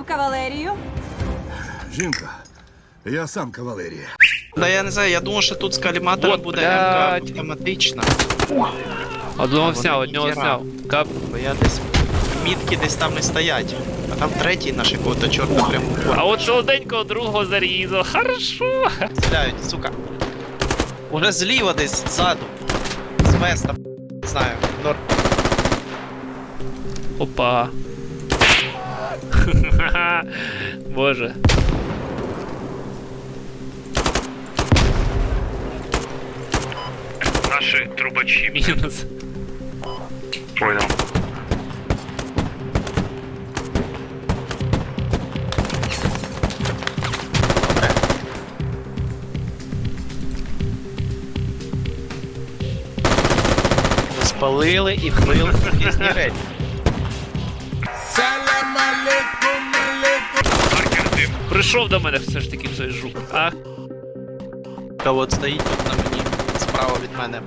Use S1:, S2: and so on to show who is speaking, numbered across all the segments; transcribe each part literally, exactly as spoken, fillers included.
S1: кавалерію?
S2: Жінка, я сам кавалерія.
S3: Да я не знаю, я думав, що тут з каліматором
S4: Вот,
S3: буде
S4: блядь.
S3: МК автоматична.
S4: Одного
S3: А,
S4: сняв,
S3: вони
S4: одного
S3: ніхера.
S4: сняв. Кап.
S3: Бо я десь мітки десь там і стоять. А там третій наш якого-то чорта прям.
S4: А от солоденького другого зарізав. Хорошо.
S3: Стріляють, сука. Уже зліва десь ззаду. З веста. Не знаю. Нор.
S4: Опа. Боже.
S5: Наши трубачи.
S4: Мінус.
S5: Понял.
S3: Спалили і вбили різні речі.
S4: Прийшов до мене все ж таки цей жук. Ах.
S3: Та от стоїть тут на мені. Справа від мене.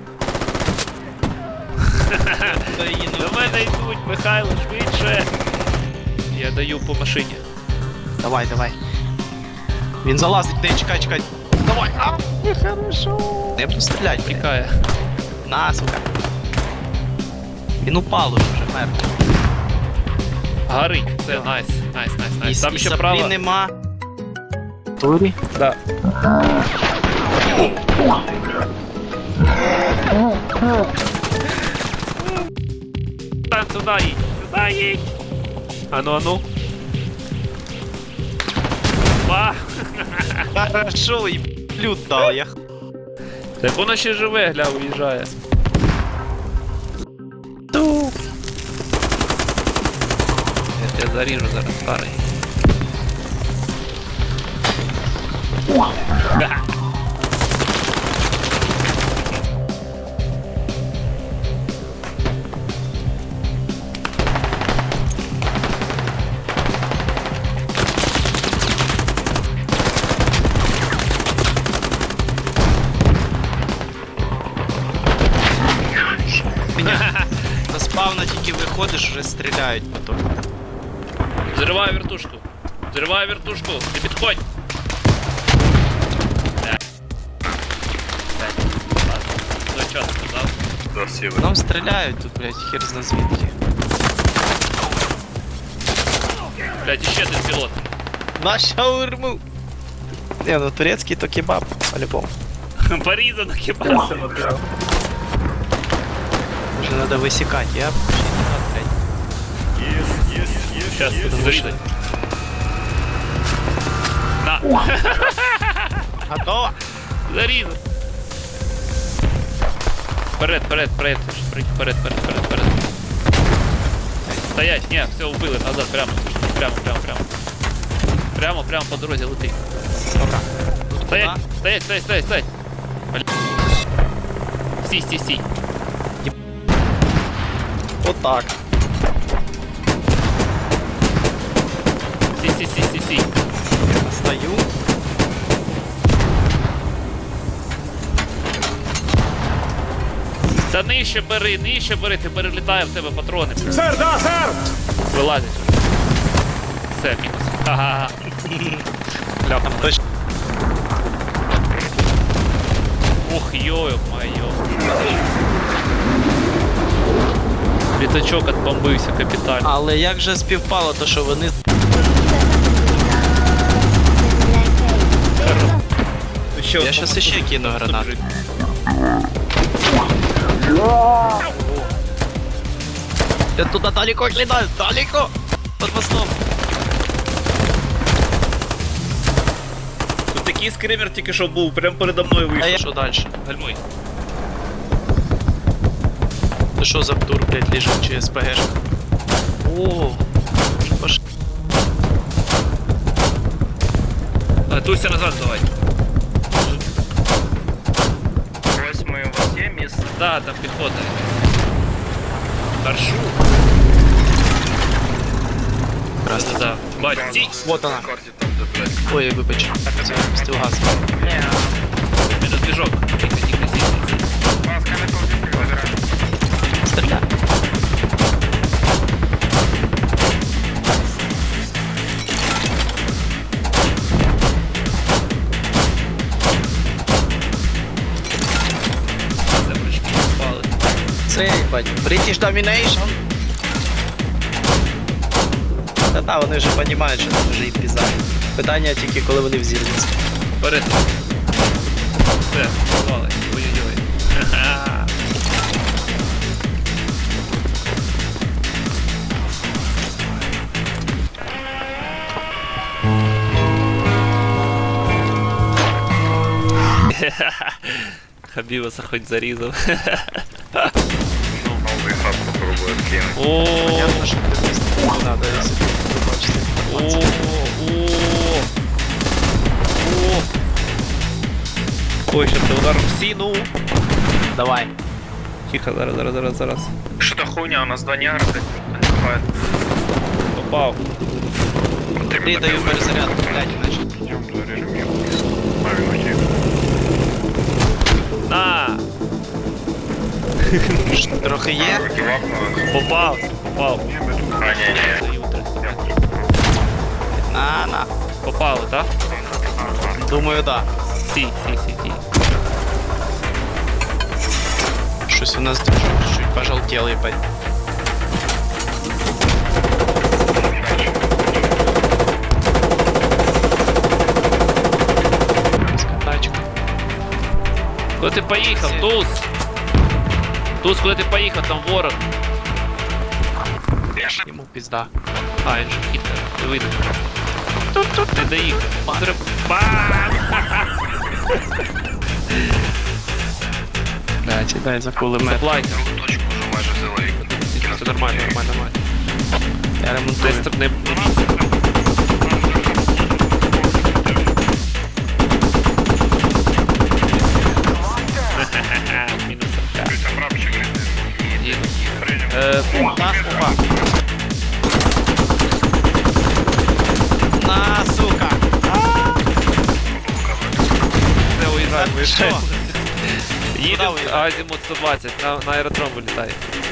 S3: Хто її не
S4: До мене йдуть, Михайло, швидше. Я даю по машині.
S3: Давай, давай. Він залазить, не чекай, чекай. Давай. А, хорошо. Я буду стріляти, блядь.
S4: Тікає.
S3: На, сука. Він упав уже, вже мертвий.
S4: Горить. Це найс. Найс, найс,
S3: І,
S4: найс. Там
S3: і
S4: ще
S3: саплі
S4: право.
S3: нема. Турі?
S4: Да. Там сюда їдь. Сюда їдь. Ану, ану. Ба.
S3: Хорошо, і плют дав я.
S4: Так воно ще живе, гля, уїжджає.
S3: Ту.
S4: Я тебе заріжу зараз, старий. Ха.
S3: До спавна тільки виходиш, вже стріляють потім.
S4: Взриваю вертушку. Взриваю вертушку. Не підходь. Да. Ладно. Ну що сказав?
S5: Красиво.
S3: Нам стріляють тут, блядь, хер зна звідки.
S4: Блядь, іще один пілот.
S3: На шаурму! Не, ну турецький то кебаб, по-любому.
S4: Порізано кібасом.
S3: Вже треба висікати, я пошли назад, блядь.
S4: Сейчас зарізать. На.
S3: Готово!
S4: Зарізав. Вперед, вперед, вперед. Вперед, вперед, вперед, вперед. Стоять, не, все, убили, назад, прямо. Прямо, прямо, прямо. Прямо, прямо по дорозі лети.
S3: Добре.
S4: Стоять,
S3: Куда?
S4: стоять, стоять, стоять, стоять. Блин. Стій, стій, стій.
S3: Отак.
S4: Стій, стій, стій, стій, стій.
S3: Стою.
S4: Та нижче бери, нижче бери, ти перелітає в тебе патрони. Сер, да, сер! Вилазить. Все, мінус. Ага.
S3: Там точно.
S4: Ух, йо-моє. Літачок отбомбився капітально.
S3: Але як же співпало, то що вони...
S4: Ще
S3: Я щас іще кину гранату. Я туда далеко летаю, далеко! Под мостом.
S4: Тут такий скример тільки що був, прямо передо мною
S3: А
S4: вийшов.
S3: я що дальше?
S4: Гальмуй.
S3: Це що за птур, блядь, лежить чи СПГшка? О, пош...
S4: А, Туся назад давай.
S5: Восьмой у вас є місце?
S4: Да, там піхота. Харшу.
S3: Здравствуйте.
S4: Да, бать, стій.
S3: Вот она.
S5: Карті там, де, блядь.
S3: Ой, вибач. Це випустив газ.
S4: Это движок. Тихо, тихо, стій, стій, стій.
S5: Вас кам'ятовки забирають.
S3: Стріляй. їбать. British Domination. Та-та, вони вже розуміють, що це вже і пізда. Питання тільки, коли вони взірвуться.
S4: Бери. Все, сховали. Ой-ой-ой. Ха-ха. Хабібаса хоч зарізав.
S5: Новый хаб попробую откинуть.
S4: О,
S3: Понятно, що ти не треба, якщо ти бачиш
S4: о,
S3: інформацію.
S4: о, о. Ой, ще ти удар в сіну.
S3: Давай.
S4: Тихо, зараз, зараз, зараз, зараз.
S5: Что-то хуйня, у нас два негра, блядь, бывает.
S4: Попав.
S3: Ти даю перезарядку, блядь, іначе.
S4: На!
S3: Трохи є?
S4: Попав, попав.
S5: А, не-не.
S4: Даю триста метрів.
S3: На, на.
S4: Попали, так?
S3: Думаю, да.
S4: Сі, сі, сі, сі.
S3: Щось у нас чуть-чуть пожелтело, ебать. Тачка.
S4: Куди ти поїхав, Туз? Туз, куди ти поїхав, там ворог.
S3: Йому пизда.
S4: А, він же хитер, ти видно. Не доїхав. Зрив... Бам!
S3: Да, дай за кулемет.
S4: Заплайка.
S5: Точку уже майже взяли.
S4: Все нормально, нормально, нормально.
S3: Я ремонтую.
S4: Десь не, не бійся. Мінус РК. Їду. Е,
S3: На, опа. На, сука.
S4: Все, уїжджаємо,
S3: Що?
S4: уїжджаємо. Їдемо,
S3: Куди уїжджаємо?
S4: Азімут сто двадцять, на, на аеродром вилітає.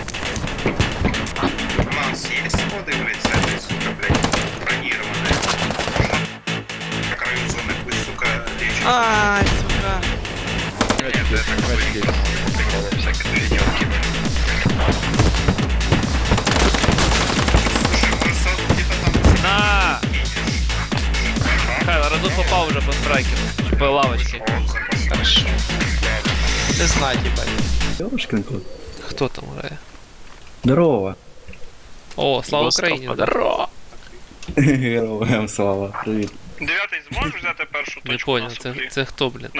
S5: У нас есть сходы, блядь, с этой, сука, блядь, бронированные. На краю зоны пусть, сука, лечит.
S3: Ай, сука.
S5: Нет, это какой-то всякие движения кинули. Слушай, может сразу где-то там
S4: На! Михайло, разок попав уже по страйкеру. По лавочці.
S3: Хорошо. Ти знать, ебать.
S1: Ёшкин кот.
S4: Хто там грає?
S1: Здорово.
S4: О, слава
S3: Гостро
S4: Україні!
S3: впаде.
S4: Здорово!
S1: Героям слава. Привіт.
S5: Дев'ятий зможеш взяти першу
S4: Не
S5: точку?
S4: понял, це, це хто, блін?